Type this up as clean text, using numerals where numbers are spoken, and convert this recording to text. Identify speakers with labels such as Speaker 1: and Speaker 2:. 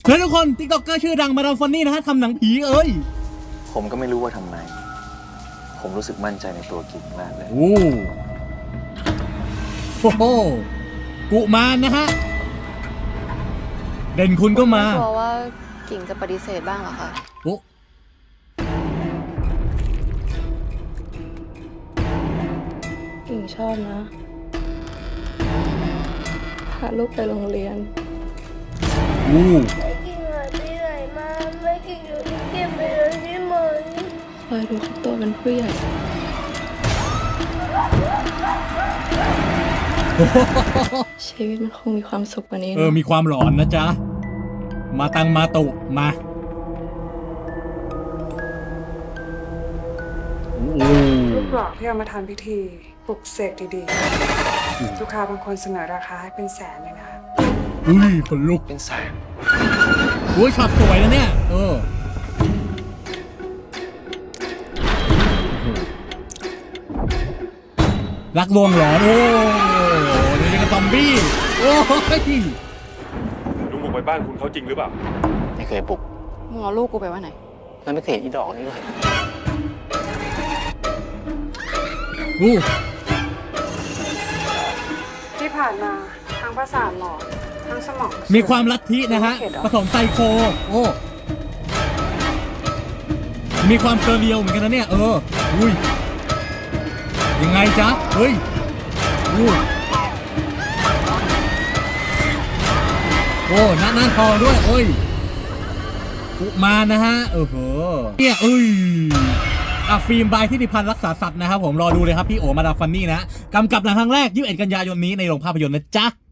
Speaker 1: แล้วทุกคนติ๊กต็อกเกอร์ชื่อดังมาดามฟันนี่นะฮะทำหนังผีเอ้ย
Speaker 2: ผมก็ไม่รู้ว่าทำไมผมรู้สึกมั่นใจในตัวกิ่งมากเลย
Speaker 1: โอ้โหกุมารนะฮะเด่นคุณก็มา
Speaker 3: ไม่กลัวว่ากิ่งจะปฏิเสธบ้างเหรอคะ
Speaker 1: โอ้
Speaker 4: กิ่งชอบนะพาลูกไปโรงเรียน
Speaker 1: แม่
Speaker 5: กิ่งหายไปไหนมาแม่กิ่งอยู่ที่เก็บไปเลยใช่ไหม
Speaker 4: คอยดูเขาโตเป็นผู้ใหญ่ชีวิตมันคงมีความสุขกว่านี้
Speaker 1: มีความหลอนนะจ๊ะมาตังมาตุมา
Speaker 6: ลูกหลอกที่เอามาทำพิธีปลุกเสกดีๆลูกค้าบางคนเสนอราคาให้เป็นแสนเลยนะ
Speaker 1: คนลุก
Speaker 2: เป็นแสน
Speaker 1: ช็อตสวยนะเนี่ยรักลวงหลอนนี่เป็นซอมบี้
Speaker 7: ลุงบุกไปบ้านคุณเขาจริงหรือเปล่า
Speaker 2: ไม่เคยปลุก
Speaker 3: มึงเอาลูกกูไปไว้ไหน
Speaker 2: แล้วไม่เคยเห็นอีดอกนี่เลย
Speaker 6: ที่ผ่านมาทั้งประสาทหลอนทั้งสมอง
Speaker 1: มีความลัทธินะฮะผสมไซโคมีความเซอร์เรียลเหมือนกันนะเนี่ยยังไงจ๊ะหน้าทองด้วยกุมารนะฮะเนี่ยฟิล์มบายทิติพันธ์รักษาสัตว์นะครับผมรอดูเลยครับพี่โอมาดามฟันนี่นะกำกับหนังครั้งแรก21 กันยายนนี้ในโรงภาพยนตร์นะจ๊ะ